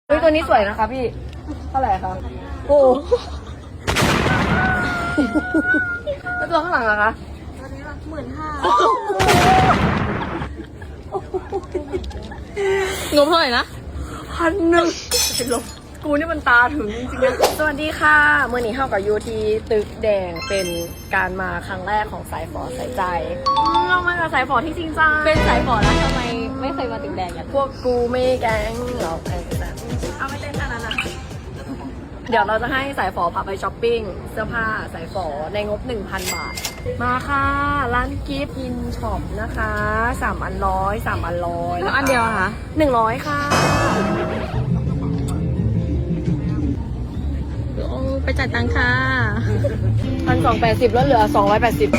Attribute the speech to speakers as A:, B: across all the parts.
A: เฮ้ยตัวนี้สวยนะคะพี่เท่าไหร่คะโอ้แล้วตัวข้างหลังอะคะ
B: ตอนนี้ละ15,000
C: งบเท่าไหร่นะ
A: 1,000เป็นลมกูนี่มันตาถึงจริงๆนะสวัสดีค่ะเมื่อนี้เข้ากับยูทีตึกแดงเป็นการมาครั้งแรกของสายฝอสายใจเรามากับสายฝอที่จริงจัง
C: เป็นสายฝอแล้วทำไมไม่เคยมาตึกแดงกัน
A: พวกกูไม่แก๊งเราแก๊งแบบเอาไม่เต้นขนาดนั้นเดี๋ยวเราจะให้สายฝอพาไปช้อปปิ้งเสื้อผ้าสายฝอในงบ 1,000 บาทมาค่ะร้านกิฟต์อินช็อปนะคะ3 อันร้อย3 อันร้อย
C: แล้วอันเดียวอะคะ
A: 100ค่ะ
C: โอ้ไปจ่ายตังค่ะ
A: 1,280แล้วเหลือ280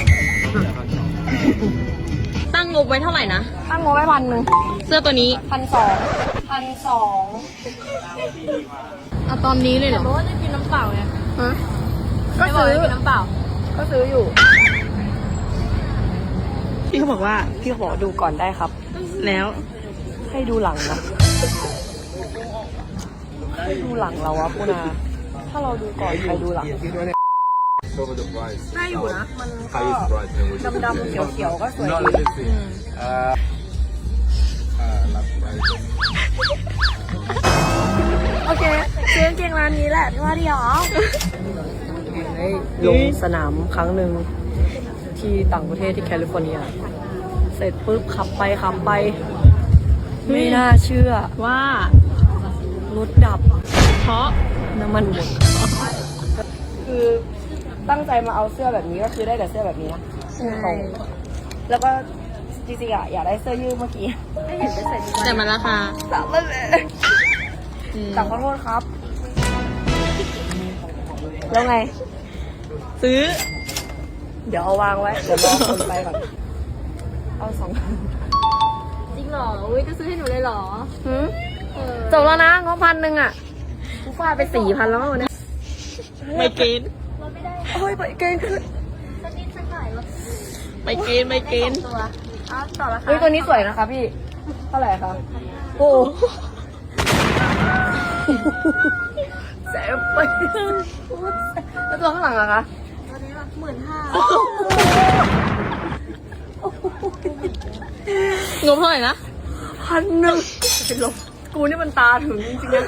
C: ตั้งงบไว้เท่าไหร่นะ
A: ตั้งงบไว้1,000
C: เสื้อตัวนี้
A: 1,200
C: เอาตอนนี้เลยเหรอ
B: เพราะว่าจะกินน้ำเปล่าไง
A: ฮะก็
B: ไม่บอก
A: ซื้อ
B: จะกินน้ำเปล่า
A: ก็ซื้ออยู่
C: พี่เขาบอกว่า
A: พี่ขอดูก่อนได้ครับ
C: แล้ว
A: ให้ดูหลังนะให้ดูหลังเราวะพูนาถ้าเราดูก่อนใครดูหลัง
D: Over the price.
A: น่าอยู่นะ มันก็
D: Highest price and we
A: ดำๆเขียวๆก็สวย
D: Not
A: ดี
D: let's see. Last price.
A: โอเคซื้อกางเกงร้านนี้แหละที่ว่าดีหรอลงสนามครั้งหนึ่งที่ต่างประเทศที่แคลิฟอร์เนีย เสร็จปุ๊บขับไปไม่น่าเชื่อ
C: ว่าร
A: ถดับ
C: เพราะ
A: น้ำมันหมดคือตั้งใจมาเอาเสื้อแบบนี้ก็คือได้แต่เสื้อแบบนี้นะตรงแล้วก็จริงๆอะอยากได้เสื้อยืดเมื่อกี้ไม่เห็นได้ใส่ดี
C: แต่มันราคา
A: สั่งมาเลย
C: อืม
A: สั่งขอโทษครับ แล้วไง
C: ซื้อ
A: เดี๋ยวเอาวางไว้ เดี๋ยวรอคนไปก่อนเอา2,000
B: จริงเหรอ อุ้ยจะซื้อให้หนูเลยเหรอ
A: หืม
B: เออ
A: จบแล้วนะงบ1,000อ่ะกูฟาดไป4,000แล้ววันนี้
C: ไม่เกณฑ์
B: ลดไม่ได้
A: โอ้ยไปเกินขึ้น
B: สักนิดสักหน่อยลด
C: ไม่เกณฑ์ไม่เกณฑ์
B: ตัวอ้าวต่อละค่ะ
A: เฮ้ยตัวนี้สวยนะคะพี่ เท่าไหร่คะโอ้แสบไปแล้วตัวข้างหลังอะคะ
B: ตอนนี้ละ15,000
C: งบเท่าไหร่นะ
A: 1,000เป็นลมกูนี่มันตาถึงจริงๆนะ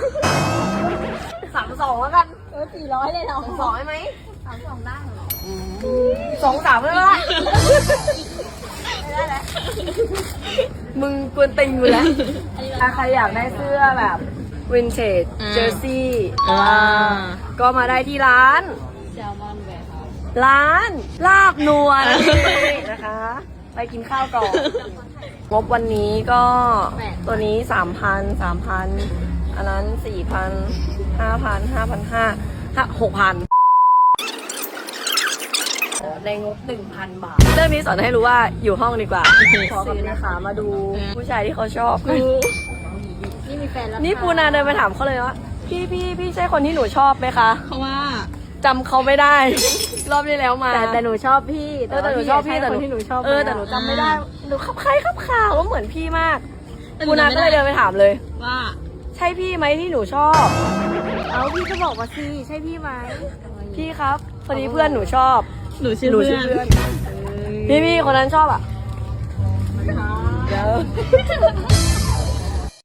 A: 32แล้วกัน
B: 400เลยเหรอ
A: 2ได้ไหม
B: 32ได้เหรอ
A: 2-3ไม่ได้
B: ไม่ได้แล้ว
A: มึงกวนติงอยู่แล้วถ้าใครอยากได้เสื้อแบบวินเทจ
C: อ่า
A: เจอร์ซี่
C: อ่า
A: ก็มาได้ที่ร้าน
B: แซลมอนแวร์เฮาส์
A: ร้านลาบนัวนะคะ ไปกินข้าวก่อนงบวันนี้ก็ตัวนี้ 3,000 อันนั้น 4,000 5,000 6,000 ในงบ 1,000 บาท เรื่องนี้สอนให้รู้ว่าอยู่ห้องดีกว่าขอกับนะคะมาดูผู้ชายที่เขาชอบ
B: นี่มีแฟนแล้ว
A: นี่ปูนาเดินไปถามเขาเลยว่าพี่ใช่คนที่หนูชอบไหมคะ
C: เพราะว่า
A: จำเขาไม่ได้ รอบที่แล้วมา
B: แต่หนูชอบพี่
A: แต่หนูชอบพี่แต่หนู
B: ที่หนูชอบ
A: แต่หนูจำไม่ได้หนูขับใครขับข่าวว่าเหมือนพี่มาก
C: แต่หนู
A: ปูนา
C: จำไม่
A: ก็
C: ได้
A: เลยเดินไปถามเลย
C: ว่า
A: ใช่พี่ไหมที่หนูชอบ
B: เอาพี่ก็บอกมาสิใช่พี่ไหม
A: พี่ครับพอดีเพื่อนหนูชอบ
C: หนูชื่อ
A: หนู
C: เพื่
A: ชื่
C: อ
A: อน เพื่อนพี่คนนั้นชอบอ่ะเดี๋ยว